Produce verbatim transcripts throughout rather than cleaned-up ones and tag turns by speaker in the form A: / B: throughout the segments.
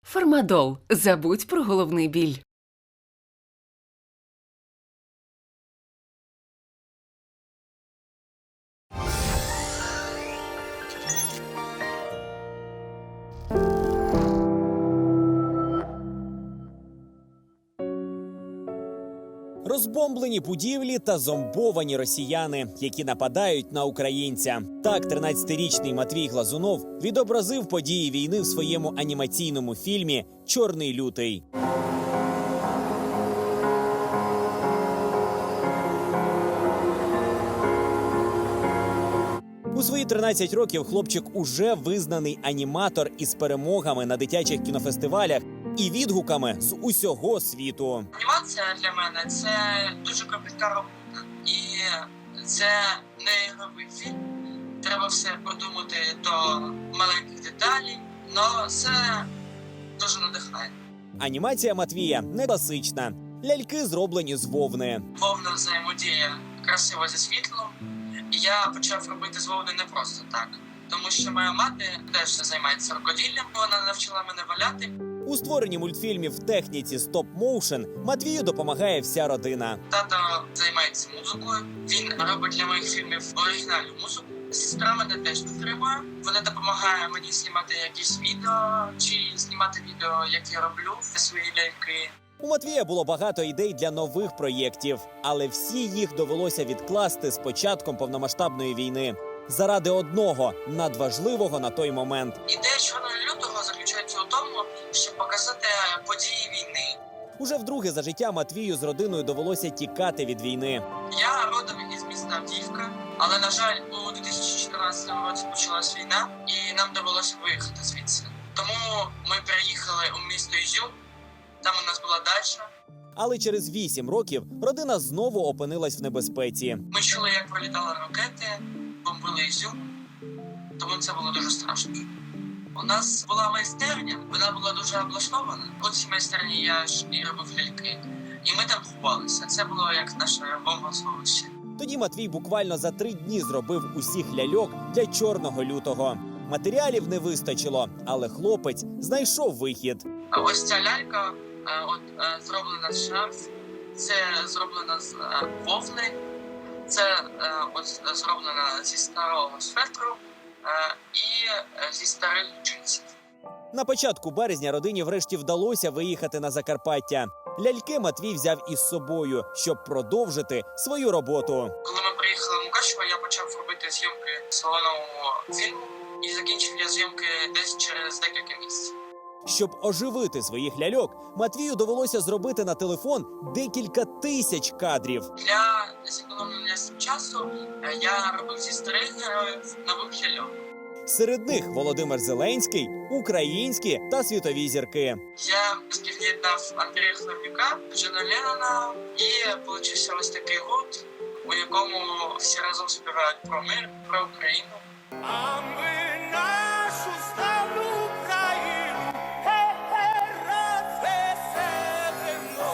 A: Фармадол. Забудь про головний біль.
B: Розбомблені будівлі та зомбовані росіяни, які нападають на українця. Так, тринадцятирічний Матвій Глазунов відобразив події війни в своєму анімаційному фільмі «Чорний лютий». У свої тринадцять років хлопчик уже визнаний аніматор із перемогами на дитячих кінофестивалях і відгуками з усього світу.
C: Анімація для мене – це дуже кропітка робота. І це не ігровий фільм. Треба все продумати до маленьких деталей, але це дуже надихає.
B: Анімація Матвія не класична. Ляльки зроблені з вовни.
C: Вовна взаємодія красиво зі світлом. І я почав робити з вовни не просто так. Тому що моя мати теж займається рукоділлям, вона навчила мене валяти.
B: У створенні мультфільмів в техніці стоп-моушен Матвію допомагає вся родина.
C: Тато займається музикою, він робить для моїх фільмів оригінальну музику. Сестра мене теж підтримує. Вона допомагає мені знімати якісь відео, чи знімати відео, як я роблю свої ляльки.
B: У Матвія було багато ідей для нових проєктів, але всі їх довелося відкласти з початком повномасштабної війни. Заради одного, надважливого на той момент.
C: Ідея «Чорного лютого» заключається у тому, щоб показати події війни.
B: Уже вдруге за життя Матвію з родиною довелося тікати від війни.
C: Я родом із міста Авдіївка, але, на жаль, у дві тисячі чотирнадцятому році почалась війна, і нам довелося виїхати звідси. Тому ми переїхали у місто Ізюм, там у нас була дача.
B: Але через вісім років родина знову опинилась в небезпеці.
C: Ми чули, як пролітали ракети, бомбили Ізюм, тому це було дуже страшно. У нас була майстерня, вона була дуже облаштована. У цій майстерні я ж і робив ляльки. І ми там ховалися. Це було як наше бомбосховище.
B: Тоді Матвій буквально за три дні зробив усіх ляльок для «Чорного лютого». Матеріалів не вистачило, але хлопець знайшов вихід.
C: А ось ця лялька е, от, е, зроблена з шарф, це зроблена з е, вовни, це е, от, зроблена зі старого светру е, і е, зі старих джинсів.
B: На початку березня родині врешті вдалося виїхати на Закарпаття. Ляльки Матвій взяв із собою, щоб продовжити свою роботу.
C: Коли ми приїхали в Мукачево, я почав робити зйомки свого нового фільму. І закінчив я зйомки десь через декілька місяців.
B: Щоб оживити своїх ляльок, Матвію довелося зробити на телефон декілька тисяч кадрів.
C: Для зекономлення часу я робив зі старих героїв нових ляльок.
B: Серед них Володимир Зеленський, українські та світові зірки.
C: Я спів'єднав Андрія Хлебнюка, Джона Леннона, і получився ось такий гурт, у якому всі разом співають про мир, про Україну.
D: А ми нашу славну Україну, хе-хе, розвеселимо.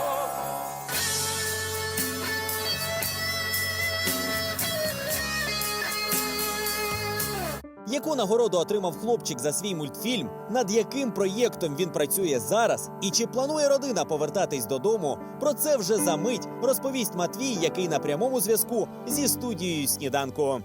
B: Яку нагороду отримав хлопчик за свій мультфільм, над яким проєктом він працює зараз і чи планує родина повертатись додому, про це вже за мить розповість Матвій, який на прямому зв'язку зі студією «Сніданку».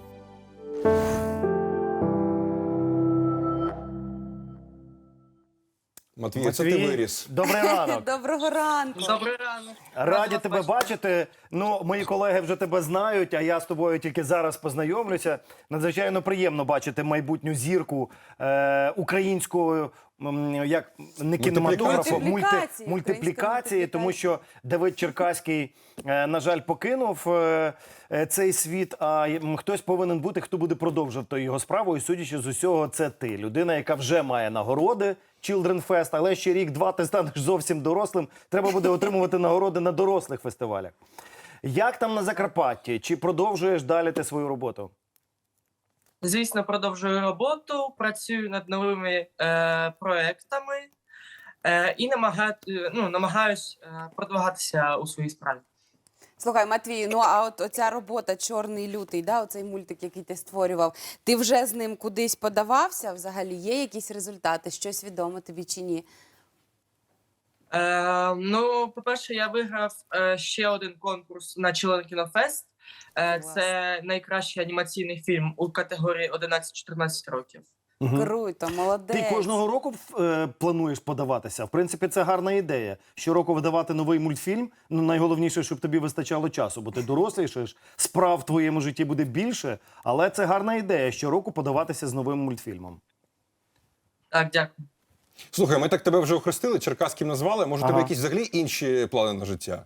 E: Матвій, це ти виріс.
F: Добрий ранок.
G: Доброго ранку.
C: Добрий ранок.
F: Раді тебе бачити. Ну, мої колеги вже тебе знають, а я з тобою тільки зараз познайомлюся. Надзвичайно приємно бачити майбутню зірку е, українського, м, як не кінематографу,
G: Мультиплікації.
F: мульти, мультиплікації, тому що Давид Черкаський, е, на жаль, покинув е, е, цей світ, а м, хтось повинен бути, хто буде продовжувати його справу. І судячи з усього, це ти. Людина, яка вже має нагороди. Children Fest, але ще рік-два ти станеш зовсім дорослим. Треба буде отримувати нагороди на дорослих фестивалях. Як там на Закарпатті? Чи продовжуєш далі ти свою роботу?
C: Звісно, продовжую роботу, працюю над новими е, проектами е, і намагаю, ну, намагаюсь е, продвигатися у своїй справі.
G: Слухай, Матвій, ну а от оця робота «Чорний лютий», да, оцей мультик, який ти створював, ти вже з ним кудись подавався? Взагалі є якісь результати? Щось відомо тобі чи ні?
C: Е, ну, по-перше, я виграв е, ще один конкурс на Чилен Кінофест. Е,
G: Клас.
C: це найкращий анімаційний фільм у категорії одинадцять-чотирнадцять років.
F: Мгм.
G: Круто, молодець.
F: Ти кожного року е, плануєш подаватися. В принципі, це гарна ідея. Щороку видавати новий мультфільм. Ну, найголовніше, щоб тобі вистачало часу, бо ти дорослішаєш, справ в твоєму житті буде більше. Але це гарна ідея щороку подаватися з новим мультфільмом.
C: Так, дякую.
E: Слухай, ми так тебе вже охрестили, черкаським назвали. Може, у тебе
F: Ага.
E: якісь взагалі інші плани на життя?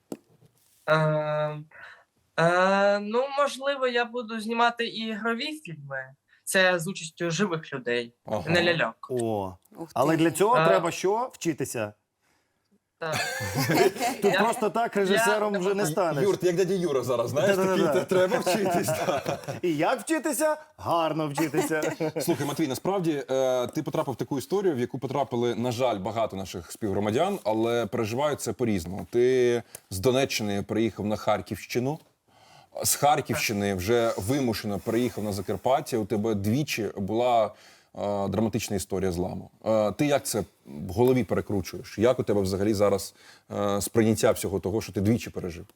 C: Е, е, ну, можливо, я буду знімати і ігрові фільми. Це з участю живих людей,
E: Ага.
C: не ляльок.
F: О,
G: Ух ти.
F: але для цього
C: А.
F: треба що? Вчитися.
C: Так.
F: Тут
C: Я-
F: просто так режисером
C: я-
F: вже не станеш.
E: Юр, ти як дядя Юра зараз, знаєш,
F: Да-да-да.
E: такий, «Та треба вчитись. та».
F: І як вчитися? Гарно вчитися.
E: Слухай, Матвій, насправді е, ти потрапив в таку історію, в яку потрапили, на жаль, багато наших співгромадян, але переживають це по-різному. Ти з Донеччини приїхав на Харківщину, з Харківщини вже вимушено переїхав на Закарпаття. У тебе двічі була е, драматична історія зламу. Е, ти як це в голові перекручуєш? Як у тебе взагалі зараз е, сприйняття всього того, що ти двічі пережив?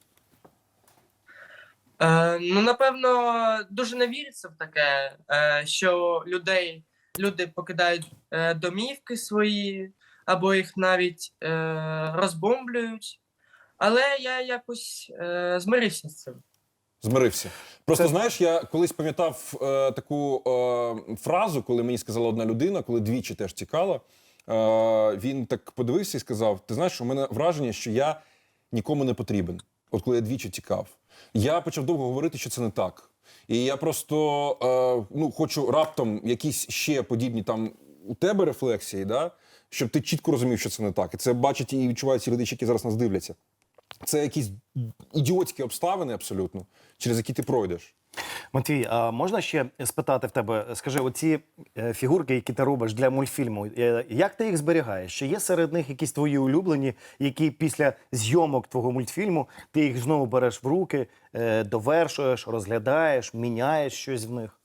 C: Е, ну, напевно, дуже не віриться в таке, е, що людей, люди покидають е, домівки свої, або їх навіть е, розбомблюють. Але я якось е, змирився з цим.
E: Змирився. Просто
F: Це-
E: знаєш, я колись пам'ятав е, таку е, фразу, коли мені сказала одна людина, коли двічі теж тікала. Е, він так подивився і сказав: ти знаєш, у мене враження, що я нікому не потрібен. От коли я двічі тікав. Я почав довго говорити, що це не так. І я просто е, ну, хочу раптом якісь ще подібні там у тебе рефлексії, да? Щоб ти чітко розумів, що це не так. І це бачать і відчувають ці глядачі, які зараз нас дивляться. Це якісь ідіотські обставини абсолютно, через які ти пройдеш.
F: Матвій, а можна ще спитати в тебе, скажи, оці е, фігурки, які ти робиш для мультфільму, е, як ти їх зберігаєш? Чи є серед них якісь твої улюблені, які після зйомок твого мультфільму ти їх знову береш в руки, е, довершуєш, розглядаєш, міняєш щось в них?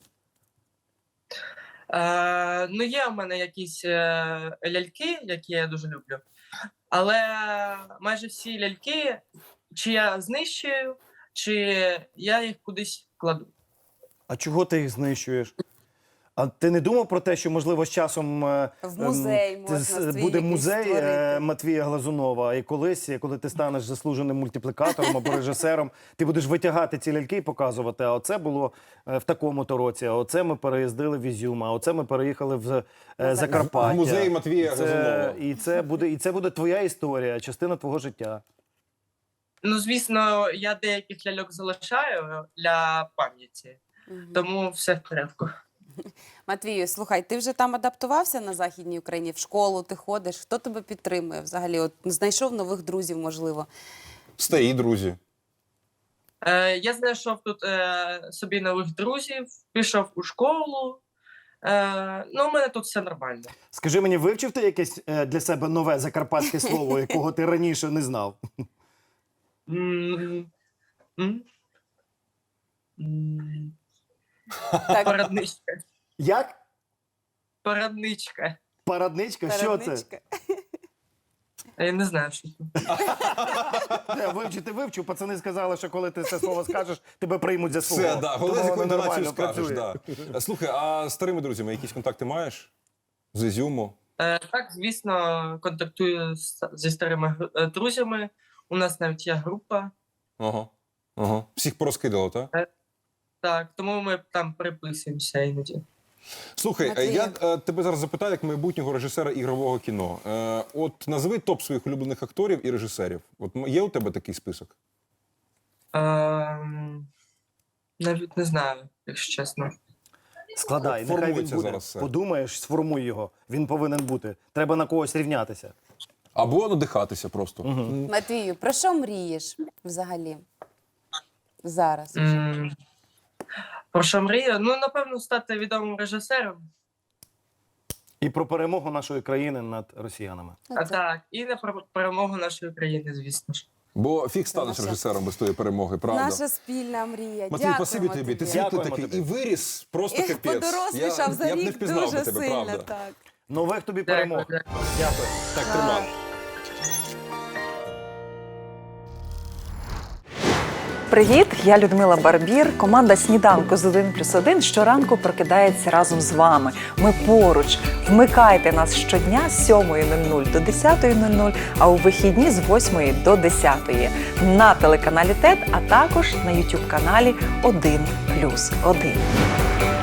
C: Е, ну, є у мене якісь е, ляльки, які я дуже люблю. Але майже всі ляльки, чи я знищую, чи я їх кудись кладу.
F: А чого ти їх знищуєш? А ти не думав про те, що, можливо, з часом е,
G: В музей
F: ем,
G: можна
F: з-
G: свій
F: буде
G: якийсь
F: музей е,
G: створити.
F: Матвія Глазунова, і колись, коли ти станеш заслуженим мультиплікатором або режисером, ти будеш витягати ці ляльки і показувати, а оце було е, в такому-то році, а оце ми переїздили в Ізюм, а оце ми переїхали в е, Закарпаття.
E: В музей Матвія
F: І це,
E: Глазунова.
F: і це буде, і це буде твоя історія, частина твого життя.
C: Ну, звісно, я деяких ляльок залишаю для пам'яті,
G: Мгм.
C: тому все в порядку.
G: Матвію, слухай, ти вже там адаптувався на Західній Україні, в школу ти ходиш, хто тебе підтримує взагалі? От знайшов нових друзів, можливо.
E: Стаї, друзі.
C: Е, я знайшов тут е, собі нових друзів, пішов у школу. Е, ну, у мене тут все нормально.
F: Скажи мені, вивчив ти якесь е, для себе нове закарпатське слово, якого ти раніше не знав?
C: М, м, м,
G: Так,
C: Порадничка.
F: Як?
C: Порадничка.
F: Парадничка? Що це?
G: передничка.
C: Я не знаю, що це.
F: Не, вивчити вивчив. Пацани сказали, що коли ти це слово скажеш, тебе приймуть за свого.
E: Все, да. Головне, з
F: Тому
E: якою
F: воно
E: інтонацією
F: нормально
E: скажеш.
F: працює.
E: Да. Слухай, а з старими друзями якісь контакти маєш? З Ізюму?
C: Е, так, звісно, контактую з, зі старими гру- е, друзями. У нас навіть є група.
E: Ага. Ага. Всіх порозкидало, так?
C: Так, тому ми там переписуємося іноді.
E: Слухай,
G: Матвій.
E: е, я е, тебе зараз запитаю як майбутнього режисера ігрового кіно. Е, от назви топ своїх улюблених акторів і режисерів. От м- є у тебе такий список?
C: Ем, навіть не знаю, якщо чесно.
F: Складай,
E: От
F: нехай він
E: формується
F: буде.
E: зараз все.
F: Подумаєш, сформуй його. Він повинен бути. Треба на когось рівнятися.
E: Або надихатися просто. М.
G: Матвію, про що мрієш взагалі? Зараз.
C: М, Про що мрію? Ну, напевно, стати відомим режисером.
F: І про перемогу нашої країни над росіянами.
G: Ну,
C: А
G: це-
C: так, і на пер- перемогу нашої країни, звісно ж.
E: Бо фіг станеш
G: наша-
E: режисером без тої перемоги, правда?
G: Наша спільна мрія.
E: Матвій,
G: Дякуємо
E: спасибі тобі. Ти світлий
F: Дякуємо
E: такий
F: тобі.
E: і виріс просто
G: І
E: капець.
G: подорослішав за
E: я б не
G: рік
E: впізнав би
G: дуже
E: тебе,
G: сильно.
E: правда.
G: Так.
F: Нових тобі
C: Дякую,
F: перемог.
C: дякую.
F: Дякую.
E: Так, тримай.
H: привіт! Я Людмила Барбір. Команда «Сніданку з один плюс один» щоранку прокидається разом з вами. Ми поруч. Вмикайте нас щодня з сьомої нуль нуль до десятої нуль нуль, а у вихідні з восьмої до десятої на телеканалі ТЕТ, а також на ютуб-каналі один плюс один.